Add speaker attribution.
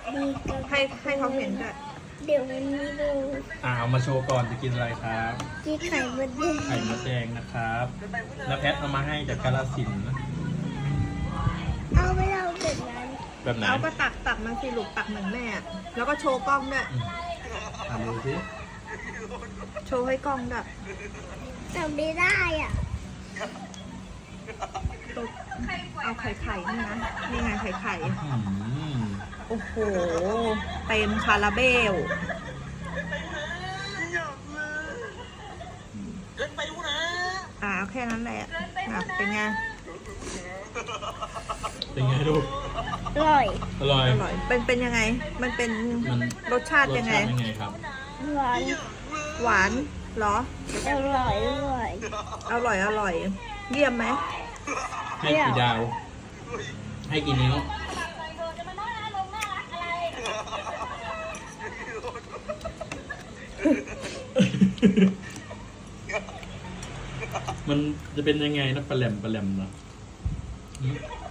Speaker 1: ดีกับ
Speaker 2: ให้เขาเห็นด้วย
Speaker 1: เดี๋ยววันนี้ดู
Speaker 3: เอามาโชว์ก่อนจะกินอะไรครับ
Speaker 1: ที่ไข่มดแดง
Speaker 3: ไข่มดแดงนะครับแล้วแพทเอามาให้จากกาฬสินธุ์นะ
Speaker 1: เอาไปเอาแบบนั้น
Speaker 3: แบบไหน
Speaker 2: เอาก็ตักมันสิลูกตักเหมือนแม่อะแล้วก็โชว์กล้องด้วย
Speaker 3: ทำดูสิ
Speaker 2: โชว์ให้กล้องด้วย
Speaker 1: แต่ไม่ได้อ่ะ
Speaker 2: เอาไข่นี่นะนี่ไงไข่
Speaker 3: อืม
Speaker 2: โอ้โหเต็มคาราเบลเอาแค่นั้นแหละเป็นไง
Speaker 3: เป็นไงลูก
Speaker 1: อร่อย
Speaker 3: อร่อย
Speaker 2: อร่อยเป็นยังไง มันเป็น
Speaker 3: มัน
Speaker 2: รสชาติยังไง
Speaker 3: รสชาติยังไงครับ
Speaker 1: หวาน
Speaker 2: หวานเหรอ
Speaker 1: อร่อยอร่อย
Speaker 2: อร่อยเยี่ยมไหม
Speaker 3: ให้กี่ดาว ให้กี่นิ้ว มันจะเป็นยังไงนะปลาแหลมเนาะ